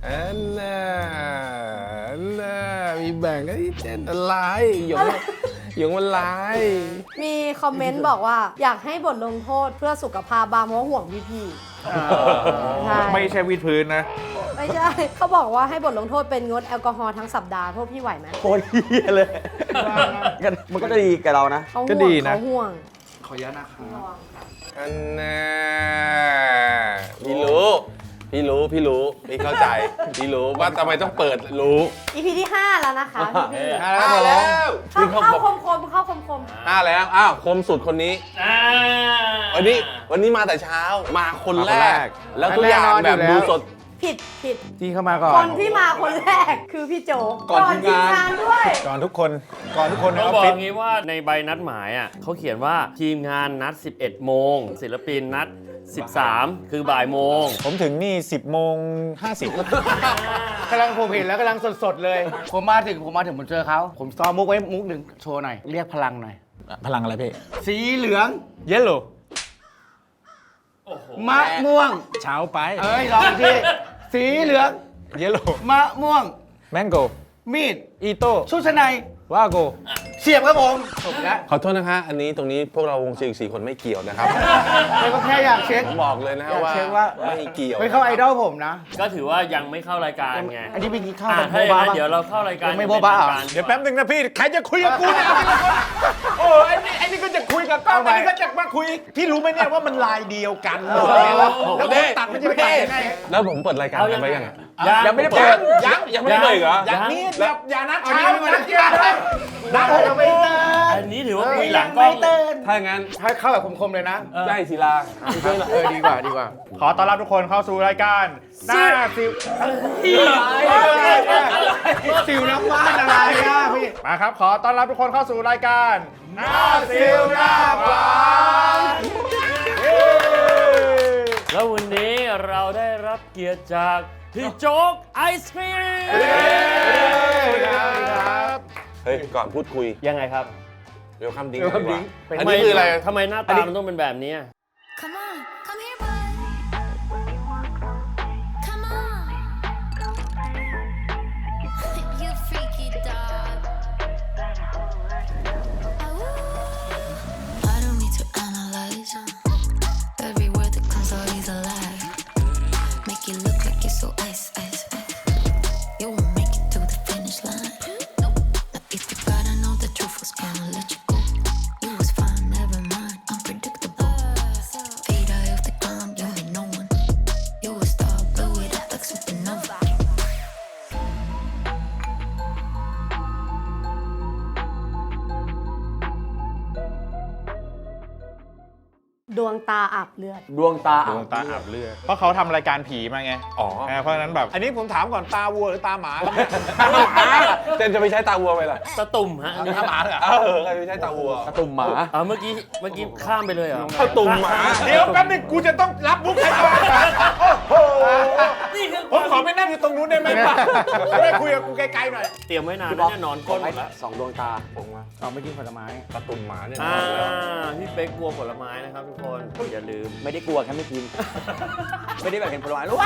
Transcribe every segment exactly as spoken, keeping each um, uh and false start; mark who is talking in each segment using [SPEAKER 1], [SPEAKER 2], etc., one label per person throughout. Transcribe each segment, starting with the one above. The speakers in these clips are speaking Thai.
[SPEAKER 1] อันน่ะอันน่ะมีแบ่งกันที่เต้นอะไรหยงหยงมันลาย
[SPEAKER 2] มีคอมเมนต์บอกว่าอยากให้บทลงโทษเพื่อสุขภาพบางเพราะห่วงพี่พี่ใช่
[SPEAKER 3] ไม่ใช่วิดพื้นนะ
[SPEAKER 2] ไม่ใช่เขาบอกว่าให้บทลงโทษเป็นงดแอลกอฮอล์ทั้งสัปดาห์พวกพี่ไหวไหม
[SPEAKER 4] โคตรเฮียเลยมันก็จะดีกับเรานะ
[SPEAKER 2] เขา
[SPEAKER 3] ก็
[SPEAKER 2] ห่ว
[SPEAKER 3] ดี
[SPEAKER 2] ง
[SPEAKER 3] นะ
[SPEAKER 2] เขาห่วง
[SPEAKER 3] ขออนุญาตนะครับ
[SPEAKER 1] อันน่ะพี่รู้พี่รู้พี่รู้พี่เข้าใจพี่รู้ว่าทำไมต้องเปิดรู้
[SPEAKER 2] อีพีที่ห้าแล้วนะคะพี่พี่
[SPEAKER 1] ห้าแล้ว
[SPEAKER 2] เข้าเข้าคมคมๆเข้าคมคม
[SPEAKER 1] ห้าแล้วอ้าวคมสุดคนนี้
[SPEAKER 5] อ่า
[SPEAKER 1] วันนี้วันนี้มาแต่เช้ามาคนแร
[SPEAKER 3] มาคนแร
[SPEAKER 1] ก
[SPEAKER 3] ก
[SPEAKER 1] แล้วทุกอย่างแบบดูสด
[SPEAKER 2] ผิดผิด
[SPEAKER 3] ที่เข้ามาก่อ
[SPEAKER 2] คน นที่มาคนแรกคือพี่โจ
[SPEAKER 1] ก่อนทีมงาน
[SPEAKER 2] ทีมงานด้วย
[SPEAKER 3] ก่อนทุกคนก่อนทุกคนใน
[SPEAKER 5] ต้
[SPEAKER 3] อ
[SPEAKER 5] อง
[SPEAKER 3] อฟ
[SPEAKER 5] บอก
[SPEAKER 3] ฟิ
[SPEAKER 5] อ
[SPEAKER 3] ศ
[SPEAKER 5] ย่างนี้ว่าในใบนัดหมายอ่ะเขาเขียนว่าทีมงานนัด สิบเอ็ด โมง ศิลปินนัด สิบสาม คือบ่ายโมง
[SPEAKER 3] ผมถึงนี่ สิบโมงห้าสิบ
[SPEAKER 6] กำลังผมเห็นแล้วกำลังสดๆเลย ผมมาถึงผมมาถึงผมเจอเขาผมซ้อมมุกไว้มุกหนึ่งโชว์หน่อย เรียกพลังหน่อย
[SPEAKER 3] พลังอะไรพี่
[SPEAKER 6] สีเหลือง
[SPEAKER 3] เยลโล่
[SPEAKER 6] มะม่วง
[SPEAKER 3] เช้าไป
[SPEAKER 6] เอ้ยลองอีกทีสีเหลือง
[SPEAKER 3] เยลโล่
[SPEAKER 6] มะม่วง
[SPEAKER 3] แมงโก
[SPEAKER 6] มีด
[SPEAKER 3] อีโต้
[SPEAKER 6] ชุดชั้นใน
[SPEAKER 3] วาโก
[SPEAKER 6] เสียบครับผมจบแล้ว
[SPEAKER 1] ขอโทษนะคะ อันนี้ตรงนี้พวกเราวงเชียร์สี่คนไม่เกี่ยวนะครับ
[SPEAKER 6] เลยก็แค่อยากเช็ค
[SPEAKER 1] ผมบอกเลยนะ
[SPEAKER 6] อยาก
[SPEAKER 1] ว่า
[SPEAKER 6] เช็คว่า
[SPEAKER 1] ไม่เกี่ยว
[SPEAKER 6] ไม่เข้าไอดอลผมนะ
[SPEAKER 5] ก็ถือว่ายังไม่เข้ารายการไง
[SPEAKER 6] อันนี้เป็นกินข้าว
[SPEAKER 5] อ่า
[SPEAKER 6] กับ
[SPEAKER 5] ถ้า
[SPEAKER 6] โบ
[SPEAKER 5] อย่าง
[SPEAKER 6] บ้า
[SPEAKER 5] นั้น
[SPEAKER 6] ปะ
[SPEAKER 5] เดี๋ยวเราเข้ารายการ
[SPEAKER 6] ยังไม่โบ๊ะบ้าเหรอ
[SPEAKER 5] ป็นทงก
[SPEAKER 3] เดี๋ยวแป๊บนึงนะพี่ ใครจะคุยกับกูเนี่ยโอ้ไอ้นี่ไอ้นี่ก็จะคุยกับกล้องไอ้นี่ก็จะมาคุย พี่รู้ไหมเนี่ยว่ามันลายเดียวกันแล้วผมตัดไม่ใช่ไปตัดยังไง
[SPEAKER 1] แล้วผมเปิดรายการ
[SPEAKER 5] เอา
[SPEAKER 1] ไป
[SPEAKER 5] ยัง
[SPEAKER 1] ไป
[SPEAKER 5] ไง
[SPEAKER 1] ยังไง
[SPEAKER 3] ยังไม่ได้เปิด
[SPEAKER 1] ยังยังไม่ได้เปิดเหรอ
[SPEAKER 3] อย่างนี้อย่าอย่านัด
[SPEAKER 6] เอา
[SPEAKER 3] เช้า
[SPEAKER 6] นี้ไม่
[SPEAKER 3] นั
[SPEAKER 6] ได้
[SPEAKER 3] ด
[SPEAKER 6] เกี่
[SPEAKER 3] เย็
[SPEAKER 6] ยวน เลย
[SPEAKER 3] นัด
[SPEAKER 6] เราไม่เตือน
[SPEAKER 5] อันนี้ถือว่าคุยหลังกล้อง
[SPEAKER 6] ไม่เตือน
[SPEAKER 1] ถ้าอย่างนั้น
[SPEAKER 6] ให้เข้าแบบคมๆเลยนะ
[SPEAKER 1] ได้ศิลา
[SPEAKER 6] เออดีกว่าดีกว่า
[SPEAKER 3] ขอต้อนรับทุกคนเข้าสู่รายการหน้าสิว
[SPEAKER 6] สิวน้ำมันอะไรอ่ะพี่
[SPEAKER 3] มาครับ ขอต้อนรับทุกคนเข้าสู่รายการหน้าสิวหน้าหวานเย้
[SPEAKER 5] แล้ววันนี้เราได้รับเกียรติจากพี่โจ๊กไอศครีม
[SPEAKER 3] ครับ
[SPEAKER 1] เฮ้ย ก่อนพูดคุย
[SPEAKER 5] ยังไงครับ
[SPEAKER 1] เวลคัมดิ้ง
[SPEAKER 3] Welcome Drink
[SPEAKER 1] อันนี้คืออะไร
[SPEAKER 5] ทำไมหน้าตามันต้องเป็นแบบนี้
[SPEAKER 7] Come on, come here, boy. Come on. You freaky dog. I don't need to analyze. Every word that comes out is a lie. Make you look like you're so ice, ice, ice. You won't make it to the finish line. Now if you gotta know the truth was gonna let you go. You was fine, never mind, unpredictable. Fade out of the ground, you ain't no one. You a star, blow it up like supernova.
[SPEAKER 2] ดวงตาอาบเลือด
[SPEAKER 6] ดวงตา
[SPEAKER 3] ดวงตาอาบเลือดเพราะเขาทำรายการผีมาไง
[SPEAKER 1] อ๋อ
[SPEAKER 3] เออเพราะฉะนั้นแบบ อันนี้ผมถามก่อนตาวัวหรือตาหมา
[SPEAKER 1] เจนจะไปใช้ตาวัวไปล่ะ
[SPEAKER 5] ตะตุ่มฮะอันนี้
[SPEAKER 3] ตาหมาเหรอ
[SPEAKER 1] เออใครไปใช้ตาวัว
[SPEAKER 4] ตุ่มหมา
[SPEAKER 5] อ่าเมื่อกี้เมื่อกี้ข้ามไปเลยเหรอ
[SPEAKER 1] ตาตุ่มหมา
[SPEAKER 3] เดี๋ยวแป๊บนึงกูจะต้องรับมุกใครก่อนโอ้โห
[SPEAKER 5] นี่คือ
[SPEAKER 3] ผมขอไปนั่งอยู่ตรงนู้นได้ไหมจะได้คุยกับกูไกลๆหน่อย
[SPEAKER 5] เตรียมไว้นานแล้วเนี่ยนอนก้นหมดแล้ว
[SPEAKER 4] สองดวงตา
[SPEAKER 1] ผมว่า
[SPEAKER 6] เอาไม่กินผลไม้
[SPEAKER 1] ตาตุ่มหมาเนี่ย
[SPEAKER 5] อ่าพี่เป๊กกลัวผลไม้นะครับทุกคนอย่าลืม
[SPEAKER 4] ไม่ได้กลัวแค่ไม่กิน ไม่ได้แบบเห็นผลไม้รู้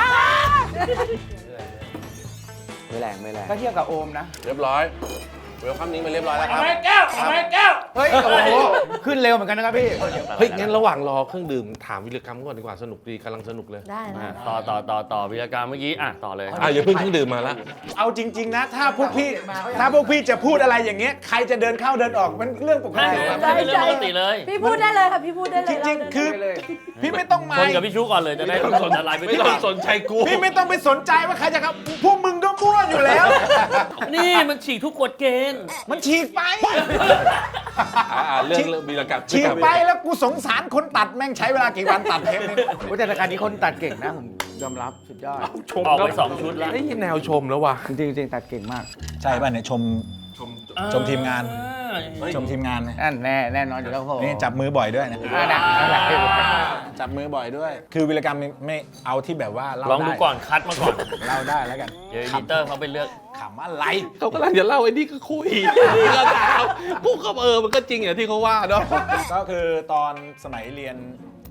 [SPEAKER 4] ไม่แรงไม่แรง
[SPEAKER 6] ก็เทียบกับโอมนะ
[SPEAKER 1] เรียบร้อยเวลคัมดิ้งไปเรียบร้อยแล้วครับ
[SPEAKER 6] เฮ้ย โอ้โห ขึ้นเร็วเหมือนกันนะครับพี่
[SPEAKER 1] เฮ้ย งั้นระหว่างรอเครื่องดื่มถามวิรกรรมก่อนดีกว่าสนุกดีกำลังสนุกเลย
[SPEAKER 2] ได้นะ
[SPEAKER 5] ต่อต่อต่อต่อวิรการเมื่อกี้อ่ะต่อเลย
[SPEAKER 1] อ่ะอย่าเพิ่งเครื่องดื่มมาละ
[SPEAKER 3] เอาจริง ๆ นะ ถ้าพวกพี่ ถ้าพวกพี่จะพูดอะไรอย่างเงี้ย ใครจะเดินเข้าเดินออกมันเรื่องปก
[SPEAKER 5] ใช่
[SPEAKER 3] ติ
[SPEAKER 5] ครับ
[SPEAKER 2] ได้
[SPEAKER 5] เป็นเรื่องปกติเลย
[SPEAKER 2] พี่พูดได้เลยค่ะพี่พูดได้เลย
[SPEAKER 3] จริง ๆ คือ พี่ไม่ต้องมา
[SPEAKER 5] ชนกับพี่ชูก่อนเลยจะได้สนอะไรไป
[SPEAKER 1] ไม่ต้องสนใจกู
[SPEAKER 3] พี่ไม่ต้องไปสนใจว่าใครจะครับ พวกมึงก็มั่วอยู่แล้ว
[SPEAKER 5] นี่มันฉีกทุกกฎเกณฑ์
[SPEAKER 3] มันฉีกไป
[SPEAKER 1] อ่าเรื่องเรื่องวิรกรรม
[SPEAKER 3] ฉีกไปแล้วกูสงสารคนตัดแม่งใช้เวลากี่วันตัดเทปนึง
[SPEAKER 6] โอ้แต่รายการนี้คนตัดเก่งนะ ผมยอมรับสุดยอด
[SPEAKER 1] ชม
[SPEAKER 5] ออกไปสองชุดแล้ว
[SPEAKER 1] ไอ้แนวชมแล้วว่ะ
[SPEAKER 6] จริงจริงๆตัดเก่งมาก
[SPEAKER 3] ใช่ป่ะเนี่ยชม ชมทีมงาน ชมทีมงานนะ
[SPEAKER 6] นั่นแน่แน่นอนอยู่แล้วผม
[SPEAKER 3] นี่จับมือบ่อยด้วยนะ
[SPEAKER 6] อ่านะนั่นแหละ
[SPEAKER 3] จับมือบ่อยด้วย คือวิรกรรมไม่เอาที่แบบว่าเล่า
[SPEAKER 5] ลองดู
[SPEAKER 3] ได้
[SPEAKER 5] ก่อนคัดมาก่อน
[SPEAKER 3] เล่าได้แล้วกัน
[SPEAKER 5] เดี๋ยวอีดิเตอร์เขาไปเลือก
[SPEAKER 3] ขำอะไร
[SPEAKER 1] เขากำลังจะเล่าไอ้นี่ก็คุยนี่ก็ถามกูก็เออมันก็จริงอย่างที่เขาว่าเนาะ
[SPEAKER 3] ก็คือตอนสมัยเรียน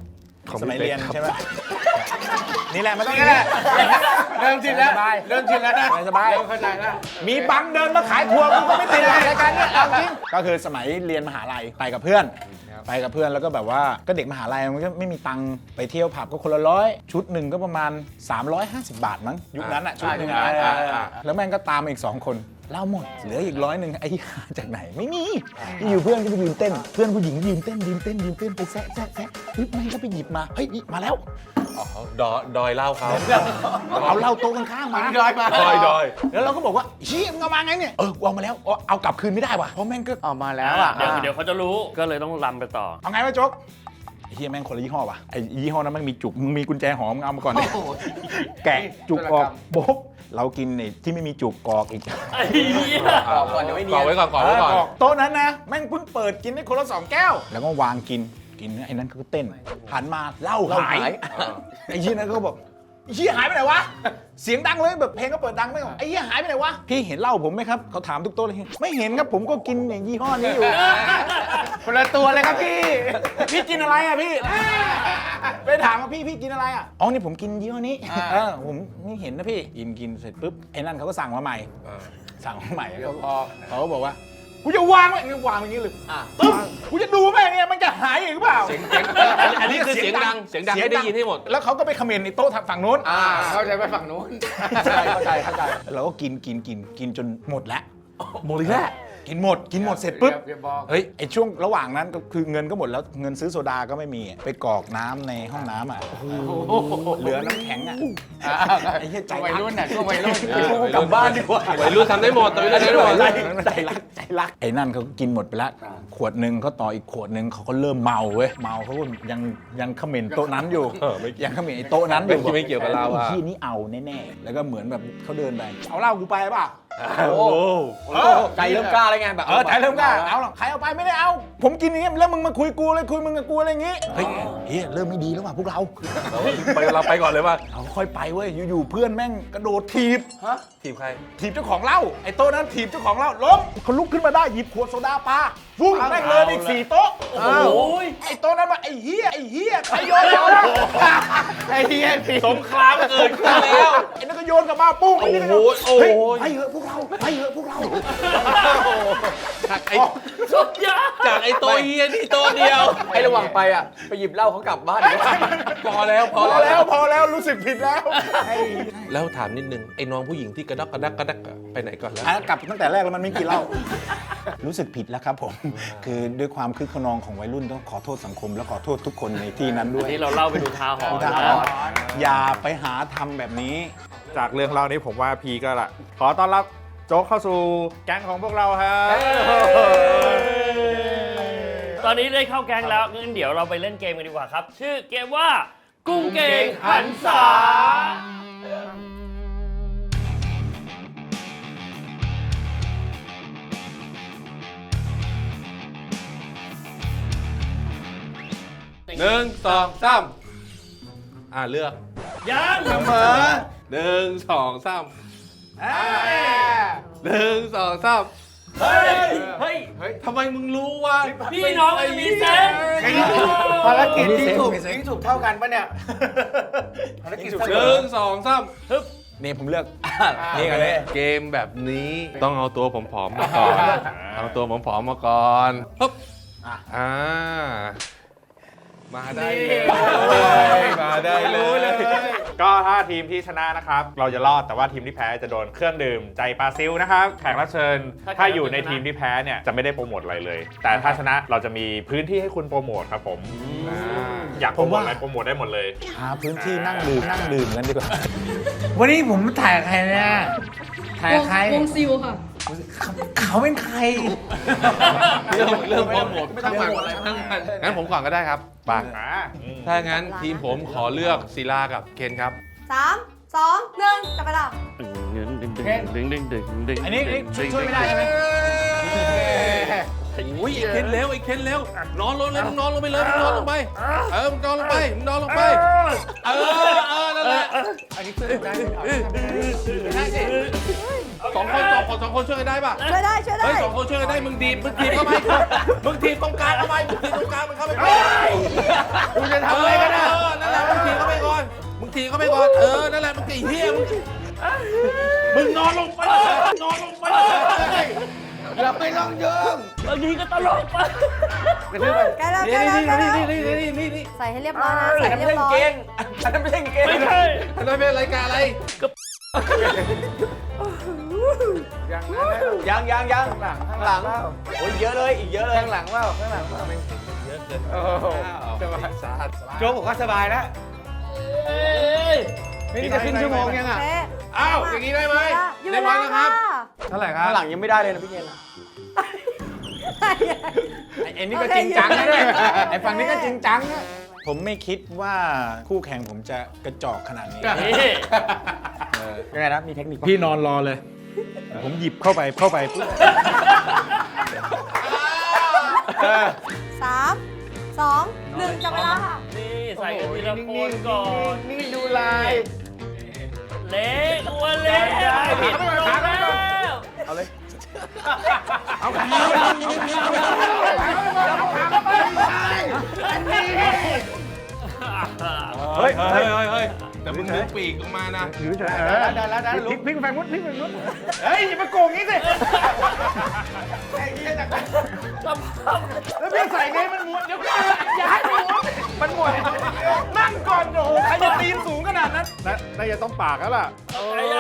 [SPEAKER 3] สมัยเรียนใช่ไหมนี่แหละมันต้อง
[SPEAKER 6] นี่แหละเริ่มชินแล้วเริ่มชินแล้วนะ
[SPEAKER 3] สบาย
[SPEAKER 6] เริ่มเข้าใจแล้ว
[SPEAKER 3] มีบังเดินมาขายทัวร์กูก็ไม่ติดอะไรรายการเนี้ยเอาจริงก็คือสมัยเรียนมหาลัยไปกับเพื่อน ไปกับเพื่อนแล้วก็แบบว่าก็เด็กมหาลัยมันก็ไม่มีตังค์ไปเที่ยวผับก็คนละร้อยชุดหนึ่งก็ประมาณสามร้อยห้าสิบบาทมั้งยุคนั้นอ่ะชุดหนึ่งอะแล้วแม่งก็ตามมาอีกสองคนเหล้าหมดเหลืออีกร้อยหนึ่งไอ้หาจากไหนไม่มีอยู่เพื่อนก็ไปยืนเต้นเพื่อนผู้หญิงยืนเต้นยืนเต้นยืนเต้นไปแซะแซะแซะเฮ้ยแม่งก็ไปหยิบมาเฮ้ยนี่มาแล้ว
[SPEAKER 1] ดอยดอยเล่าเขา
[SPEAKER 3] เอาเหล้าโต๊ะข้างๆมา
[SPEAKER 6] ดอยมา
[SPEAKER 1] ดอยดอย
[SPEAKER 3] แล้วเราก็บอกว่าเชี่ยมึงเอามาไงเนี่ยเออกูเอามาแล้วเอาเอากลับคืนไม่ได้ว่ะเพราะแม่งก็
[SPEAKER 6] ออกมาแล้วอ่ะ
[SPEAKER 5] เดี๋ยวเดี๋ยวเขาจะรู้ก็เลยต้องรำไปต่อ
[SPEAKER 3] เอาไงวะโจ๊กไอ้เฮียแม่งคนละยี่ห้อว่ะไอ้ยี่ห้อนั้นมันมีจุกมึงมีกุญแจหอมมึงเอามาก่อนดิแกะจุกออกโบ๊กเรากินนี่ที่ไม่มีจุกกอกอีก
[SPEAKER 5] ไอ้เหี้ย
[SPEAKER 4] ก่อนเดี๋ยวไม่เนี
[SPEAKER 1] ก่อย
[SPEAKER 4] น
[SPEAKER 1] ไว้ก่อนก่อไว้ก่อน
[SPEAKER 3] โต๊ะนั้นนะแม่งเพิ่งเปิดกินได้คนละสองแก้ว แล้วก็วางกินกินไอ้นั้นก็เต้นหันมาเหล้าหายไอ้เฮียนั้นก็บอกไอ้เฮียหายไปไหนวะเสียงดังเลยแบบเพลงก็เปิดดังไม่ออกไอ้เฮียหายไปไหนวะพี่เห็นเหล้าผมไหมครับเขาถามทุกโต๊ะเลยไม่เห็นครับผมก็กินอย่างยี่ห้อนี้อยู่
[SPEAKER 6] คนละตัวเลยครับพี่
[SPEAKER 3] พี่กินอะไรอ่ะพี่ไปถามว่าพี่พี่กินอะไรอ่ะอ๋อนี่ผมกินยี่ห้อนี้เออผมไม่เห็นนะพี่กินกินเสร็จปุ๊บไอ้นั่นเขาก็สั่งมาใหม่สั่งมาใหม่แล้วพอเขาก็บอกว่ากูจะวางไว้นี่วางอย่างนี้เลยตึ้มกูจะดูแม่งเนี่ยมันจะหายอีกหรือเปล่า
[SPEAKER 1] อันนี้คือเสียงดังเสียงดังให้ได้ยินให้หมด
[SPEAKER 3] แล้วเขาก็ไปคอมเมนต์ในโต๊ะฝั่งโน้น
[SPEAKER 6] อ่าเข้าใจไปฝั่งนู้น
[SPEAKER 3] เข้าใจเข้าใจเราก็กินกินกินกินจนหมดแล้วหมดอีกแล้วกินหมดกินหมดเสร็จปุ๊บ
[SPEAKER 6] อย่าบอก
[SPEAKER 3] เฮ้ยไอช่วงระหว่างนั้นก็คือเงินก็หมดแล้วเงินซื้อโซดาก็ไม่มีไปกรอกน้ำในห้องน้ำอ่ะเหลือน้ำแข็งอ่ะไอ้เหี้ยใจ
[SPEAKER 6] วัย
[SPEAKER 3] รัก
[SPEAKER 6] รุ่นน่ะช่วงวัยรุ่น
[SPEAKER 3] กลับบ้านดีกว่า
[SPEAKER 1] วัยรุ่นทำได้หมดแต่วัยรุ่นทำได้หมด
[SPEAKER 3] ใจรักใจรักไอ้นั่นเขากินหมดไปแล้วขวดหนึ่งเขาต่ออีกขวดหนึ่งเขาก็เริ่มเมาเว้ยเมาเขาก็ยังยังเขม่นโต๊ะนั้นอยู่ยังเขม่นไอ้โต๊ะนั้นอยู่
[SPEAKER 1] ไม่เกี่ยวกับเราอะ
[SPEAKER 3] ไอ้ที่นี่เอาแน่ๆแล้วก็เหมือนแบบเขาเดินไปเอาเหล้ากูไปป่ะ
[SPEAKER 4] โอ้ใจเริ่มกล้าแล้วไงแบบ
[SPEAKER 3] เออใจเริ่มกล้าเอาหรอกใครเอาไปไม่ได้เอา ผมกินอย่างเงี้ยแล้วมึงมาคุยกูเลยคุยมึงกับกูอะไรอย่างงี้เฮ้ยเฮ้ยเริ่มไม่ดีแล้วว่ะพวกเรา
[SPEAKER 1] ไปเราไปก่อนเลยว่า
[SPEAKER 3] เอาค่อยไปเว้ยอยู่ๆเพื่อนแม่งกระโดดถีบ
[SPEAKER 1] ทีมใคร
[SPEAKER 3] ถีบเจ้าของเหล้าไอ้โต๊ะนั้นถีบเจ้าของเหล้าล้มเขาลุกขึ้นมาได้หยิบขวดโซดาปาฟุ้งแม่งเลยอีกสี่โต๊ะ
[SPEAKER 5] โอ้ย
[SPEAKER 3] ไอ้โต๊ะนั้นมาไอ้เหี้ยไอ้เหี้ยใครโยนโยน
[SPEAKER 6] ไอ้เหี้ยสิ
[SPEAKER 1] สงครามเกิดขึ้นแล้ว
[SPEAKER 3] ไอ้นั่นก็โยนกลับมาปุ้งไอ้นี่ก็
[SPEAKER 1] โอ้โหโอ้โห
[SPEAKER 3] เฮ้ยไปเถอะพวกเราไปเถอะพวกเรา
[SPEAKER 1] จากไอ้
[SPEAKER 5] สุดยอด
[SPEAKER 1] จากไอ้ตัวเฮียนี่ตัวเดียว
[SPEAKER 4] ไอ้ระหว่างไปอ่ะไปหยิบเหล้าเขากลับบ้านดีกว่า
[SPEAKER 1] พอแล้วพ
[SPEAKER 3] พ
[SPEAKER 1] อ
[SPEAKER 3] อ
[SPEAKER 1] แล้
[SPEAKER 3] แล้ว วพอแล้วรู้สึกผิดแล้ว
[SPEAKER 1] แล้วถามนิดนึงไอ้น้องผู้หญิงที่กระดักกระดักกระดักอะไปไหนก่อนแล้ว
[SPEAKER 3] อ่ะกลับตั้งแต่แรกแล้วมันไม่กินเหล้า รู้สึกผิดแล้วครับผม คือด้วยความคึกขนองของวัยรุ่นต้องขอโทษสังคม และขอโทษทุกคนในที่นั้นด้วย
[SPEAKER 5] นี่เราเล่าไปดูทาหรณ์
[SPEAKER 3] อุทา
[SPEAKER 5] นะ
[SPEAKER 3] หรณ์อย่าไปหาทำแบบนี้
[SPEAKER 8] จากเรื่องเล่านี้ผมว่าพีก็ละขอต้อนรับโจ๊กเข้าสู่แก๊งของพวกเราครับ
[SPEAKER 5] ตอนนี้ได้เข้าแก๊งแล้วงั้นเดี๋ยวเราไปเล่นเกมกันดีกว่าครับ ชื่อเกมว่า กุ้งเก่งหันษา
[SPEAKER 1] หนึ่งสองสามอ่าเลือก
[SPEAKER 5] ยัง
[SPEAKER 1] หนึ่งสองสามหนึ่งสองสาม
[SPEAKER 5] เฮ้ย เฮ้ย
[SPEAKER 1] ทำไมมึงรู้ว่า
[SPEAKER 5] พี่น้องมันมีเซนส์
[SPEAKER 6] ภารกิจที่ถูกที่ถูกเท่ากันปะเนี่ยภารกิจ
[SPEAKER 1] หนึ่งสองสาม
[SPEAKER 3] นี่ผมเลือก นี่กันเลย
[SPEAKER 1] เกมแบบนี้ต้องเอาตัวผอมๆมาก่อนเอาตัวผอมๆมาก่อนปึ๊บอ่ามาได้เลยมาได้เลย
[SPEAKER 8] ก็ถ้าทีมที่ชนะนะครับ เราจะรอดแต่ว่าทีมที่แพ้จะโดนเครื่องดื่มใจปลาซิลนะครับแขกรับเชิญถ้าอยู่ในทีมที่แพ้เนี่ยจะไม่ได้โปรโมทอะไรเลย แต่ถ้าชนะเราจะมีพื้นที่ให้คุณโปรโมทครับผมอยากโปรโมทอะไรโปรโมทได้หมดเลย
[SPEAKER 3] หาพื้นที่นั่งดื่มนั่งดื่มกันดีกว่า
[SPEAKER 6] วันนี้ผมถ่ายใครเนี่ยถ่ายว
[SPEAKER 2] ง
[SPEAKER 6] ใคร
[SPEAKER 2] วงซิลค่ะ
[SPEAKER 6] เขาเป็นใคร
[SPEAKER 1] เรื่องเรื่องโปรโมททั้งหมดอะไรทั้งนั้นงั้นผมก่อนก็ได้ครับปากถ้างั้นทีมผมขอเลือกศิลากับเคนครับ
[SPEAKER 2] สามสองหนึ่งจับไปแล้ว
[SPEAKER 5] ดึงดึงดึงดึงดึงดึงดึง
[SPEAKER 3] อันนี้นี่ช่วยไม่ได้ใช่ไหม
[SPEAKER 1] อุ้ยไอ้เคนเร็วไอ้เคนเร็วนอนลงเลยมึงนอนลงไปเลยมึงนอนลงไปเออมึงนอนลงไปมึงนอนลงไปเออเออนั่นแหละสองคนสองคนสองคนช่วยกันได้ป่ะ
[SPEAKER 2] ช่วยได้ช่วยได้
[SPEAKER 1] เฮ้ยสองคนช่วยกันได้มึงดีบมึงทีบเข้าไปมึงทีบตรงกลางเข้าไปมึงทีบตรงกลางมันเข้าไป
[SPEAKER 6] กูจะทำอะไรกันนะ
[SPEAKER 1] เออนเออนั่นแหละมันไอ้เหี้ยมึงมึงนอนลงไปนอนลงไป
[SPEAKER 6] เราไม่ต้องเยิ้ม
[SPEAKER 5] บางทีก็ตลกไป
[SPEAKER 6] กระทืบไป
[SPEAKER 2] ใกล้แล้วใกล้แล้วใกล้แล้ว
[SPEAKER 1] นี่นี่นี่นี่นี่
[SPEAKER 2] ใส่ให้เรียบร้อยนะใส่ให้เรียบร้อย
[SPEAKER 4] อันนั้นไม่ใช่เกง
[SPEAKER 5] ไม่ใช่
[SPEAKER 1] อันนั้นเป็นรายการอะไร
[SPEAKER 6] ยังนะ
[SPEAKER 4] ยังยังยัง
[SPEAKER 6] ข้างหลัง
[SPEAKER 4] ข้างหลังโอ้ยเยอะเลยอีกเยอะเลย
[SPEAKER 6] ข้างหลังเปล่าข้างหลังเปล่า
[SPEAKER 1] เยอะเกิน
[SPEAKER 6] โอ้โหสบาย
[SPEAKER 1] สาหัส
[SPEAKER 6] โจ๊กบอกว่าสบายแล้วนี่จะขึ้นชั่วโมงยังอ่ะ
[SPEAKER 2] เป๊ะ
[SPEAKER 1] อ้าวอย่างนี้ได้ไหม
[SPEAKER 2] อยู่
[SPEAKER 1] เรียบร้อยแล้วครับ
[SPEAKER 6] เท่าไหร่ครั
[SPEAKER 4] ข้า
[SPEAKER 6] บ
[SPEAKER 4] งหลังยังไม่ได้เลยนะพี่เกณฑ์
[SPEAKER 3] ไอ้นี่ก็จริงจังนะเนี่ยไอ้ฝั่งนี้ก็จริงจังนะผมไม่คิดว่าคู่แข่งผมจะกระจอกขนาดนี้
[SPEAKER 5] นี่
[SPEAKER 4] ยังไงนะมีเทคนิคปะ
[SPEAKER 3] พี่นอนรอเลย ผมหยิบเข้าไปเข้าไปปุ๊บ
[SPEAKER 2] สามสองหนึ่งจับเวลาค่ะ
[SPEAKER 5] นี่ใส่กันทีละคนก่อน
[SPEAKER 6] นี่ดูลาย
[SPEAKER 5] เล็กอ้วนเล็กผิดลงแล้ว
[SPEAKER 4] เอาเลย
[SPEAKER 1] เฮ้ยเฮ้ยเฮ้ยเฮ้ยแต่มึงดึงปีกออกมานะ
[SPEAKER 6] ได้แล้วได้แล้วพลิกไปฝั่งนู้นพลิกไปฝั่งนู้นเฮ้ยอย่ามาโกงงี้สิไอ้เหี้ยจากแล้วพี่ใส่ไงมันม้วนเดี๋ยวอย่าให้มันม้วนมันม้วนนั่งก่อนโอ้โหใครจะตีนสูงขนาดนั้นน่าจะต้องปากแล้วล่ะ
[SPEAKER 5] ไอ้ยัง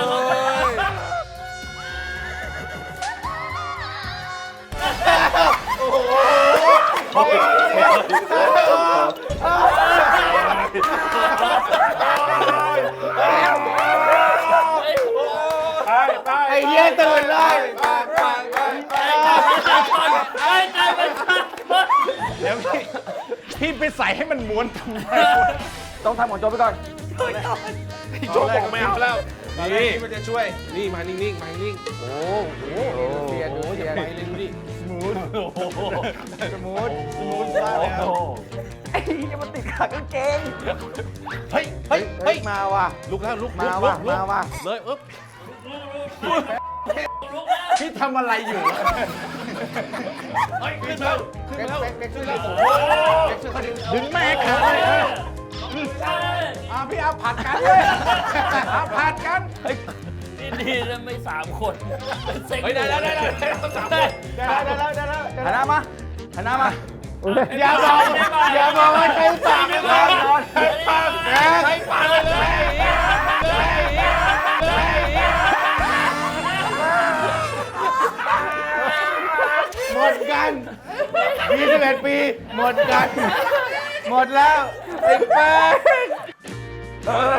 [SPEAKER 6] ไอ้เหี้ยตื่นเลย
[SPEAKER 5] ไอ้ใจมันสั่น
[SPEAKER 3] เดี๋ยวพี่พี่ไปใส่ให้มันม้วนทำไม
[SPEAKER 4] ต้องทำของโจไปก่อน
[SPEAKER 1] โจ๊กบอกไม่เอาแล้ว
[SPEAKER 3] นี่
[SPEAKER 1] นี่มันจะช่วย นี่มานิ่งๆมานิ่งๆโอ้โห
[SPEAKER 6] เสียดูเสีย
[SPEAKER 1] ไปเลยดูดิ
[SPEAKER 6] สมูทสมูทมากแล้ว
[SPEAKER 4] ไอ้เหี้ยมันติดขากางเกง
[SPEAKER 1] เฮ้ยเฮ้ย
[SPEAKER 6] เฮ้
[SPEAKER 1] เฮ้
[SPEAKER 6] ย
[SPEAKER 1] ย
[SPEAKER 6] มาว่ะ
[SPEAKER 1] ลุกแล้วลุก
[SPEAKER 6] มา
[SPEAKER 1] ลุ
[SPEAKER 6] ว่ะ
[SPEAKER 1] กลุก
[SPEAKER 6] มาว่ะ
[SPEAKER 1] เลยอึ๊บ
[SPEAKER 3] พี่ทำอะไรอยู่
[SPEAKER 1] เฮ้ยขึ้นแล้วขึ้น
[SPEAKER 6] เบ็ก
[SPEAKER 1] แล้ว
[SPEAKER 6] เบ็กเบ็กช่วยเลยเบ็กช่วยเขาดึง
[SPEAKER 3] ดึงแม่ขาเลยเอออ่ะพี่เอาผัดกันเลยเอาผัดกัน
[SPEAKER 5] นี่ดีนะไม่สามคนเป็นเซ็ก
[SPEAKER 1] เฮ้ยได้ได้ได้ได้ต้องสามคน
[SPEAKER 6] ได้แล้วได้แล้วได้แล้ว
[SPEAKER 4] หันหน้ามาหันหน้ามา
[SPEAKER 6] อย่าบอกอย่าบอกว่าใครปากไม่ได้นอน
[SPEAKER 1] ปากใช้ปากเลยเลย
[SPEAKER 6] หมดกันยี่สิบเอ็ดปี หมดกัน หมดแล้วไอ้แป้ง
[SPEAKER 5] เออ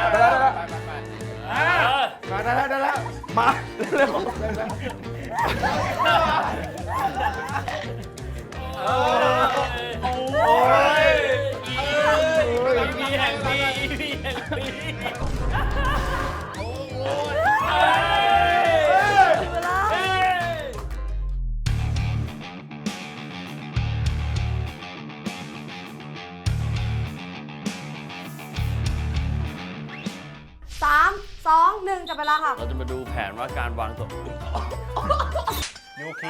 [SPEAKER 6] มาได้แล้วได้แล้ว
[SPEAKER 4] มาเร็ว
[SPEAKER 5] โอ้ยมีแห่งปีมีแห่งปี
[SPEAKER 2] เวลาสามสองหนึ่งจับเวลาค่ะ
[SPEAKER 5] เราจะมาดูแผนว่าการวางตัว
[SPEAKER 3] ยูคี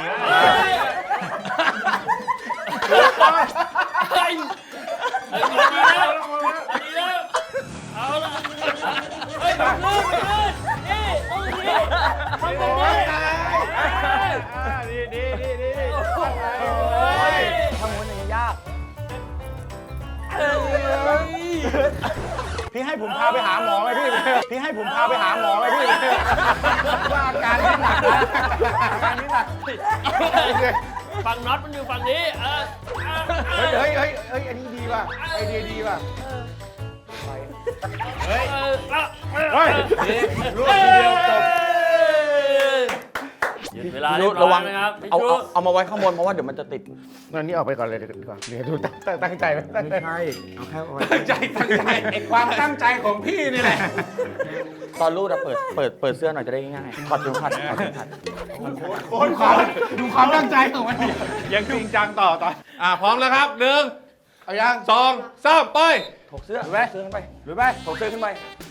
[SPEAKER 5] เฮ้ยเฮ้ยดีแล้วดีแล้วเอาละเฮ้ยมันลื่นมันลื่นนี่โอ้ยนี่ทำแบบนี้
[SPEAKER 6] ดีดีดีดี
[SPEAKER 4] ทำมันอย่างยาก
[SPEAKER 3] พี่ให้ผมพาไปหาหมอไหมพี่ พี่ให้ผมพาไปหาหมอไหมพี่ว่าอาการนี่หนักนะอาการนี่หนัก
[SPEAKER 5] ฝั่งน็อตมันอยู่ฝั่งนี้เออ
[SPEAKER 6] เฮ้ยเฮ้ยเฮ้ยเฮ้ยอันนี้ดีว่ะไอเดียดีว่ะ
[SPEAKER 5] เฮ้ยเฮ้ย
[SPEAKER 1] เฮ้ยรวดทีเดียวจบ
[SPEAKER 5] หยุดเวลา
[SPEAKER 4] พี่
[SPEAKER 5] เรี
[SPEAKER 4] นุ
[SPEAKER 5] ยบ
[SPEAKER 4] ระ
[SPEAKER 5] ร้อ
[SPEAKER 4] วั
[SPEAKER 5] ย
[SPEAKER 4] ง
[SPEAKER 5] ไหมครับพี่
[SPEAKER 4] เอา
[SPEAKER 5] ชู
[SPEAKER 4] เอาเอามาไว้ข้างบนเพราะว่าเดี๋ยวมันจะติด
[SPEAKER 6] งั้นนี่ออกไปก่อนเลยดีกว่าเดี๋ยวดูตั้งตั้งใจไหมตั้งใจ
[SPEAKER 4] ใช่ เอาแค่ไว้
[SPEAKER 1] ตั้งใจตั้งใจ
[SPEAKER 3] ไอความตั้งใจของพี่นี่แหละ
[SPEAKER 4] ตอนรูดอะเปิดเปิดเปิดเสื้อหน่อยจะได้ง่ายๆถอดเข็มขัดถอดเข็มขัด
[SPEAKER 6] ดูความดูความตั้งใจของมัน
[SPEAKER 8] ยังจริงจังต่อต่อ
[SPEAKER 1] อ่ะพร้อมแล้วครับหนึ่ง
[SPEAKER 6] เอายัง
[SPEAKER 1] สองสามไป
[SPEAKER 4] ถกเสื้อ
[SPEAKER 6] หรือไหม
[SPEAKER 4] เสื้อขึ้นไป
[SPEAKER 6] หรือไป
[SPEAKER 4] ถกเสื้อขึ้นไป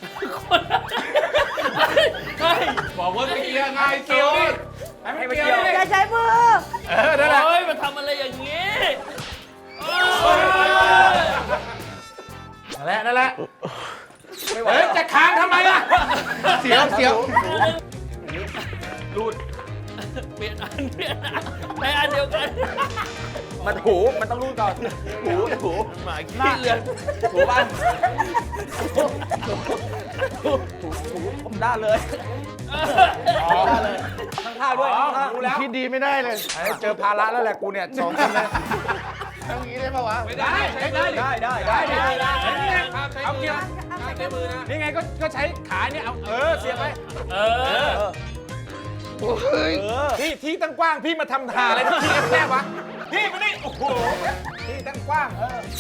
[SPEAKER 5] เฮ้ย
[SPEAKER 1] บอกว่าเกียร์ง่ายสุด
[SPEAKER 4] ให้มันเกี่ยว
[SPEAKER 2] อย่าใช้มือ
[SPEAKER 1] เออนั่นแหละ
[SPEAKER 5] โอ้ยมันทำอะไรอย่างนี้โอ้ย
[SPEAKER 3] นั่นแหละนั่นแหละ
[SPEAKER 6] ไม่ไหว
[SPEAKER 3] เฮ้ย จะขาด
[SPEAKER 6] เสียว
[SPEAKER 5] รูดเปลี่ยนอันเปลี่ยนอันในอันเดียวกัน
[SPEAKER 4] มันหูมันต้องรูดก่อนหูหู
[SPEAKER 5] หมาขี้เลือน
[SPEAKER 4] หูบ้านผมได้เลยได้เลยข้างๆด้วยข้างๆ
[SPEAKER 6] รู้แล้วคิดดีไม่ได้เลยเจอภาระแล้วแหละกูเนี่ยสองคนเลยทำอย่างนี้ได้ปะวะไม่ได้ใช้ได้
[SPEAKER 4] ได้ได้ได้ได้ได้
[SPEAKER 6] เอาเกียร์นี่ไงก็ก็ใช้ขาเนี่ยเอาเออเสียบไป
[SPEAKER 5] เออ
[SPEAKER 6] พี่ที่ตั้งกว้างพี่มาทำทาอะไรที่แคบๆวะพี่มานี่โอ้โหที่ตั้งกว้าง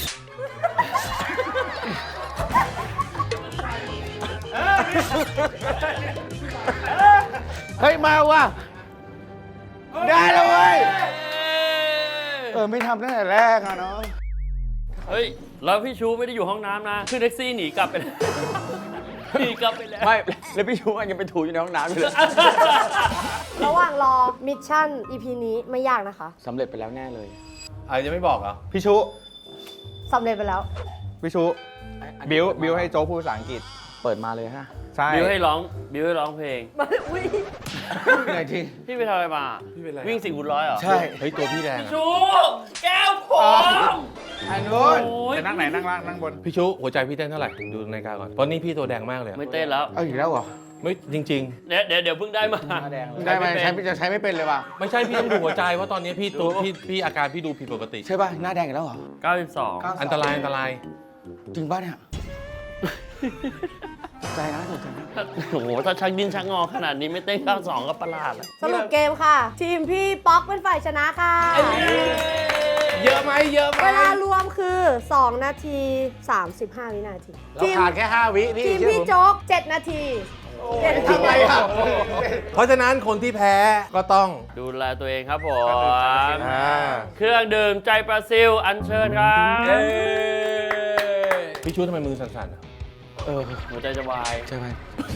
[SPEAKER 6] เฮ้ยมาว่ะได้แล้วเว้ยเออไม่ทำตั้งแต่แรกอะเนาะ
[SPEAKER 5] เฮ้ยแล้วพี่ชูไม่ได้อยู่ห้องน้ำนะขึ้นแท็กซี่หนีกลับไปแล้วหนีกลับไปแล้ว
[SPEAKER 4] ไม่แล้วพี่ชูอันยังไปถูอยู่ในห้องน้ำอยู่เลย
[SPEAKER 2] ระหว่างรอมิชชั่น อี พี นี้ไม่ยากนะคะ
[SPEAKER 4] สำเร็จไปแล้วแน่เลย
[SPEAKER 1] อ่ะยังไม่บอกเหรอ
[SPEAKER 8] พี่ชุ
[SPEAKER 2] สำเร็จไปแล้ว
[SPEAKER 8] พี่ชุบิวบิวให้โจ๊กพูดภาษาอังกฤษ
[SPEAKER 4] เปิดมาเลยฮะ
[SPEAKER 8] ใช่
[SPEAKER 5] บิวให้ร้องบิวให้ร้องเพลง
[SPEAKER 2] อุ้ย
[SPEAKER 6] ไหนที
[SPEAKER 5] พี่ไปทำอะไรมาพี่เป็นอะไรวิ่งสี่คูณร้อยเหรอ
[SPEAKER 6] ใช่
[SPEAKER 1] เฮ้ยตัวพี่แดงอะ
[SPEAKER 5] ชูแก้วผม
[SPEAKER 6] อันนู้น
[SPEAKER 5] โอ้ย
[SPEAKER 8] จะนั่งไหนนั่งล่างนั่งบน
[SPEAKER 1] พี่ชุหัวใจพี่เต้นเท่าไหร่ดูนาฬิกาก่อนเพราะนี่พี่ตัวแดงมากเลยอะ
[SPEAKER 5] ไม่เต้นแล้ว
[SPEAKER 6] เอาอีกแล้วเหรอ
[SPEAKER 1] ไม่จริง
[SPEAKER 5] เดี๋ยวเดี๋ยวเดี๋ยวเพิ่งได้มา
[SPEAKER 6] ได้ไหมใช้จะใช้ไม่เป็นเลยว่ะ
[SPEAKER 1] ๆ ไม่ใช่พี่ต้องดูหัวใจเพราะตอนนี้พี่ตัวพี่พี่อาการพี่ดูผิดปกติ
[SPEAKER 6] ใช่ป่ะหน้าแดงอีกแล้วเหรอ
[SPEAKER 5] เก้าสิบสอง
[SPEAKER 1] อันตรายอันตราย
[SPEAKER 6] จริงป่ะเนี่ยใจนะใจนะ
[SPEAKER 5] โอ้โหถ้าชักดินชักงอขนาดนี้ไม่เต้นเก้าสิบสองก็ประหลาดแล้ว
[SPEAKER 2] สรุปเกมค่ะ ทีมพี่ป๊อกเป็นฝ่ายชนะค่ะ
[SPEAKER 6] เยอะไหมเยอะไหม
[SPEAKER 2] เวลารวมคือ สอง นาที สามสิบห้า วินาที
[SPEAKER 6] เราขาดแค่ห้าวิพี่
[SPEAKER 2] ทีม
[SPEAKER 6] เชื่อ
[SPEAKER 2] พี่
[SPEAKER 6] ผม
[SPEAKER 2] โจ๊ก เจ็ด นาทีเจ็ดนาที
[SPEAKER 6] ทำไรอ่ะ
[SPEAKER 1] เพราะฉะนั้นคนที่แพ้ก็ต้อง
[SPEAKER 5] ดูแลตัวเองครับผม
[SPEAKER 1] อ่า
[SPEAKER 5] เครื่องดื่มใจปลาซิลอัญเชิญครับ
[SPEAKER 1] พี่ชุทำไมมือสั่นๆอะ
[SPEAKER 6] เออ
[SPEAKER 5] หัวใจจะวาย
[SPEAKER 6] ใช่ไหม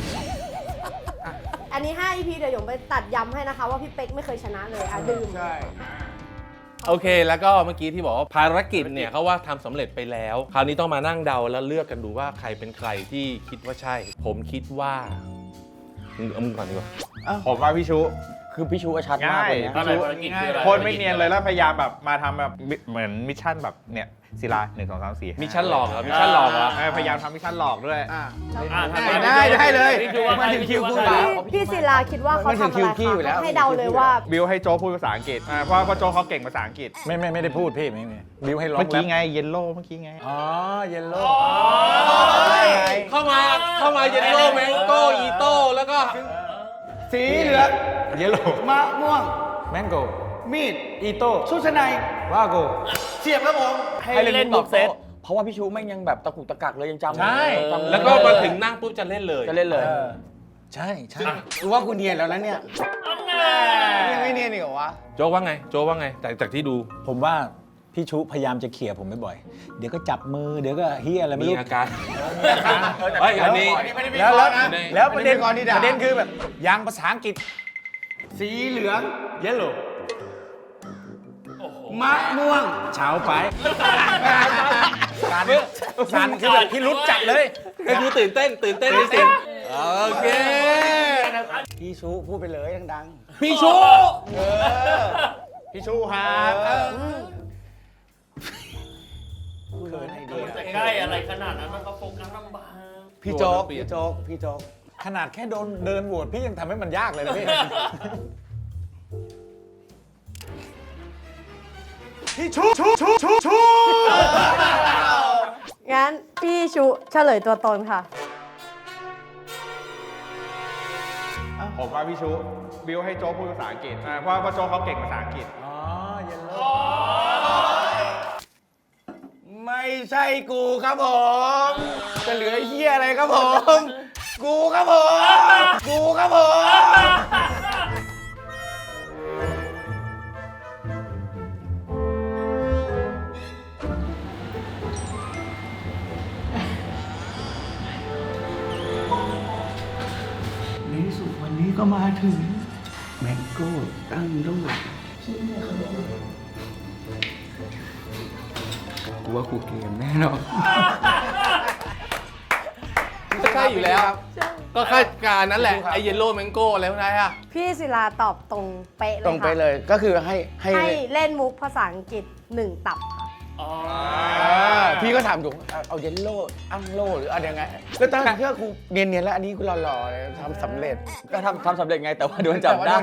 [SPEAKER 2] อันนี้ ห้า อี พี เดี๋ยวหยงไปตัดย้ำให้นะคะ ว่าพี่เป๊กไม่เคยชนะเลยอ่ะดื่ม
[SPEAKER 6] ใช่
[SPEAKER 1] โอเคแล้วก็เมื่อกี้ที่บอกว่าภารกิจเนี่ยเขาว่าทำสำเร็จไปแล้ว คราวนี้ต้องมานั่งเดาแล้วเลือกกันดูว่าใครเป็นใครที่คิดว่าใช่ ผมคิดว่ามึงเอามึงก่อนดีกว่า
[SPEAKER 8] ผมว่าพี่ชุ
[SPEAKER 4] คือพี่ชูก็ชัดมากเลย
[SPEAKER 8] ง่าย
[SPEAKER 4] นะ
[SPEAKER 5] อะไรภารกิจคืออะไร
[SPEAKER 8] โคนไม่เนียนเลยแล้วพยายามแบบมาทำแบบเหมือนมิชชั่นแบบเนี่ยศิลาหนึ่งสองสามสี่
[SPEAKER 1] มิชชั่นหลอกเหรอมิชชั่นหลอกเหรอ
[SPEAKER 8] เออพยายามทำมิชชั่นหลอกด้วย
[SPEAKER 6] อ่ะ
[SPEAKER 5] อ่ะทำ
[SPEAKER 6] ได้ได้เลย
[SPEAKER 5] พี่คิดว่าใคร
[SPEAKER 6] มาถึงคิว
[SPEAKER 5] พี่ดว่า
[SPEAKER 6] คุณ
[SPEAKER 5] ใคร
[SPEAKER 6] แล้ว
[SPEAKER 2] พี่พี่ศิลาคิดว่าเขาทำอะไร
[SPEAKER 6] ไม่ถึงคิวพี่อยู่แล้ว
[SPEAKER 2] คะให้เดาเลยว่า
[SPEAKER 8] บิวให้โจ๊กพูดภาษาอังกฤษอ่าเพราะเพราะโจ๊กเขาเก่งภาษาอังกฤษ
[SPEAKER 3] ไม่ไม่ไม่ได้พูดพี่ไม่ไม่บิวให้ร้อง
[SPEAKER 8] เมื่อกี้
[SPEAKER 3] แล้ว
[SPEAKER 8] ไงเยลโล่เมื่อกี้ไง
[SPEAKER 3] อ๋อเยลโล่
[SPEAKER 1] เข้ามาเข้ามาเยลโล่แมงโก้อีโต้แล้วก็
[SPEAKER 6] สีเหลือง
[SPEAKER 3] เยลโล่
[SPEAKER 6] มะม่วง
[SPEAKER 3] แมงโก้
[SPEAKER 6] มีด
[SPEAKER 3] อีโต้
[SPEAKER 6] ชุดชั้นใน
[SPEAKER 3] วาโก้
[SPEAKER 6] เสียบครับผม
[SPEAKER 5] ให้เล่นบุกเซต
[SPEAKER 4] เพราะว่าพี่ชูแม่งยังแบบตะกุกตะกักเลยยังจำ
[SPEAKER 1] ใช่
[SPEAKER 4] จำ
[SPEAKER 1] แล้วก็มาถึงนั่งปุ๊บจะเล่นเลย
[SPEAKER 4] จะเล่นเลย
[SPEAKER 3] เออใช่ใช่
[SPEAKER 6] รู้ว่าคุณเนียนแล้วนะเนี่ยยังไม่เนียนอีกเหรอวะ
[SPEAKER 1] โจกว่าไงโจกว่าไงจากจากที่ดู
[SPEAKER 3] ผมว่าพี่ชุพยายามจะเขี่ยผมบ่อยๆเดี๋ยวก็จับมือเดี๋ยวก็เฮียอะไรไม่
[SPEAKER 1] มี
[SPEAKER 3] รู้
[SPEAKER 1] อาการเฮ้ยอันนี้
[SPEAKER 3] แล้วแล้ว
[SPEAKER 1] อันนี้
[SPEAKER 3] แล้วประเด็น
[SPEAKER 6] ก่อนนี่ด่า
[SPEAKER 3] ประเด็นคือแบบยางภาษาอังกฤษ
[SPEAKER 6] สีเหลือง
[SPEAKER 3] เยลโล่
[SPEAKER 6] มะม่วง
[SPEAKER 3] เช้าไปการการคือแบบพี่รุดจัดเลย
[SPEAKER 1] ก็คือตื่นเต้นตื่นเต้นในสิ่งโอเค
[SPEAKER 6] พี่ชูพูดไปเลยดัง
[SPEAKER 1] พี่ชู
[SPEAKER 8] พี่ชูครับ
[SPEAKER 5] แต่ใกล้อะไรขนาดนั้นมันก็โฟกัสลำบาก
[SPEAKER 6] ๆ พี่โจ๊ก พี่โจ๊ก พี่โจ๊ก
[SPEAKER 3] ขนาดแค่โดนเดินโหวตพี่ยังทำให้มันยากเลยนะพี่ พี่ชุชุชุชุชุ
[SPEAKER 2] งั้นพี่ชุเฉลยตัวตนค่ะ
[SPEAKER 8] ผมว่าพี่ชูบิวให้โจ๊กพูดภาษาอังกฤษอ่าเพราะเพราะโจ๊กเขาเก่งภาษาอังกฤษ
[SPEAKER 3] อ๋อเยลโล่
[SPEAKER 6] ไม่ใช่กูครับผม จะเหลือเฮียอะไรครับผม กูครับผม กูครับผม ในที่สุดวันนี้ก็มาถึง แมงโก้ตั้งโลกกูว่ากูเกมแน่นอน
[SPEAKER 4] ท
[SPEAKER 1] ใช่อยู่แล้ว ก็คาดการณ์นั่นแหละ ไอเยลโล่แมงโก้อะไรพวกนั้นอะ
[SPEAKER 2] พี่ศิลาตอบตรงเป๊ะเลย
[SPEAKER 4] ตรงไป
[SPEAKER 2] ค่ะ
[SPEAKER 4] เลยก็คือให้ให้
[SPEAKER 2] ให้เล่นมุกภาษาอังกฤษหนึ่งตับค่ะ
[SPEAKER 5] อ๋อ
[SPEAKER 4] พี่ก็ถามถูกเอาเอาเยลโล่อังโล่หรืออะไรยังไงแล้วตอนนั้นเพื่อครูเนียนๆแล้วอันนี้กูหล่อๆเลยทำสำเร็จก็ทำทำสำเร็จไงแต่ว่าโดนจับได้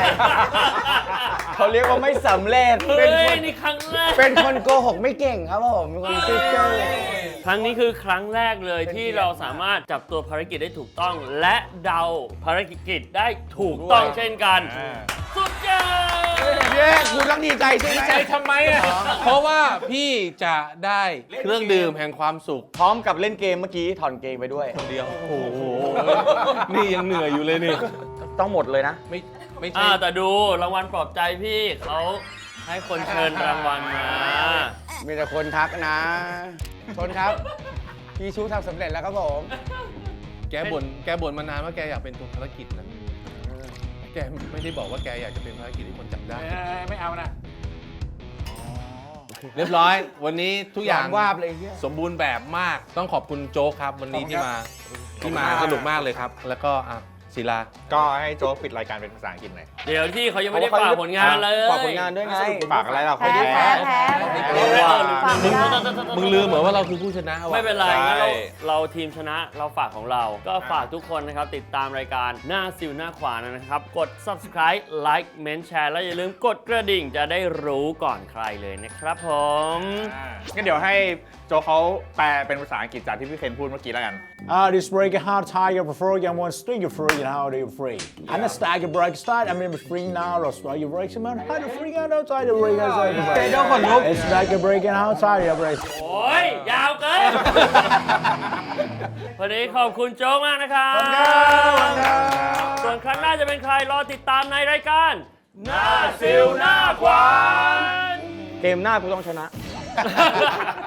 [SPEAKER 4] เขาเรียกว่าไม่สำเร็จ
[SPEAKER 5] เฮ้
[SPEAKER 4] เป็นค
[SPEAKER 5] ย
[SPEAKER 4] น
[SPEAKER 5] นี่ครั้งแรก
[SPEAKER 4] เป็นคนโกหกไม่เก่งครับผมเป็นคนซื่อเจ้า
[SPEAKER 5] ครั้งนี้คือครั้งแรกเลยที่เราสามารถจับตัวภารกิจได้ถูกต้อง และเดาภารกิจได้ถูกต้องเช่นกัน สุดยอด
[SPEAKER 4] เย้คุณต้องดีใจใช่ไหม
[SPEAKER 1] ใจทำไมอะเพราะว่าพี่จะได้เครื่องดื่มแห่งความสุข
[SPEAKER 4] พร้อมกับเล่นเกมเมื่อกี้ถอนเกมไปด้วย
[SPEAKER 1] คนเดียว โอ้โห นี่ยังเหนื่อยอยู่เลยนี่
[SPEAKER 4] ต้องหมดเลยนะ
[SPEAKER 1] ไม่ไม่ใช่
[SPEAKER 5] อ่าแต่ดูรางวัลปลอบใจพี่เขาให้คนเชิญรางวัลมา
[SPEAKER 4] มีแต่คนทักนะคนครับ พี่ชูทำสำเร็จแล้วครับผม
[SPEAKER 1] แกบ่นแกบ่นมานานว่าแกอยากเป็นตัวภารกิจนะแกไม่ได้บอกว่าแกอยากจะเป็นภารกิจที่คนจับได้
[SPEAKER 6] ไม่เอานะ
[SPEAKER 1] เรียบร้อย วันนี้ทุกอย่าง
[SPEAKER 4] วาบเลยเหี้ย
[SPEAKER 1] สมบูรณ์แบบมาก ต้องขอบคุณโจ๊กครับ วันนี้ที่มาที่มาสนุกมากเลยครับ แล้วก็อ่ะศิลา
[SPEAKER 8] ก็ให้โจ๊กปิดรายการเป็นภาษาอังกฤษหน่อย
[SPEAKER 5] เดี๋ยวที่เขายังไม่ได้ฝากผลงานเลย
[SPEAKER 4] ฝากผลงานด้วยไง
[SPEAKER 8] ฝากอะไรเรา
[SPEAKER 2] แพ้
[SPEAKER 8] เขาแพ้
[SPEAKER 2] แพ้แพ้
[SPEAKER 5] แพ้
[SPEAKER 2] ฝากไม่ได้
[SPEAKER 1] มึงลืมเหมือนว่าเราคือผู้ชนะว่ะ
[SPEAKER 5] ไม่เป็นไร
[SPEAKER 8] ใช่
[SPEAKER 5] งั้นเราเราทีมชนะเราฝากของเรา ก็ฝากทุกคนนะครับ ติดตามรายการหน้าซิวหน้าขวานะครับ กด subscribe like เมนแชร์แล้วอย่าลืมกดกระดิ่งจะได้รู้ก่อนใครเลยนะครับผม
[SPEAKER 8] งั้นเดี๋ยวให้โจ๊กเขาแปลเป็นภาษาอังกฤษจากที่พี่เคนพูดเมื่อกี้แล้วกัน
[SPEAKER 3] Uh, this break hard tiger before you want string you free and how do you free? And the stag break start I mean free now or start you break some how to free out outside the break outside the break.
[SPEAKER 4] Don't want look.
[SPEAKER 3] It's like a break and how tiger you break.
[SPEAKER 5] โอ้ย ยาวเกิน วันนี้ขอบคุณโจ๊กมากนะครับส่วนครั้งหน้าจะเป็นใครรอติดตามในรายการ หน้าซิวหน้าขวาน
[SPEAKER 4] เกมหน้ากูต้องชนะ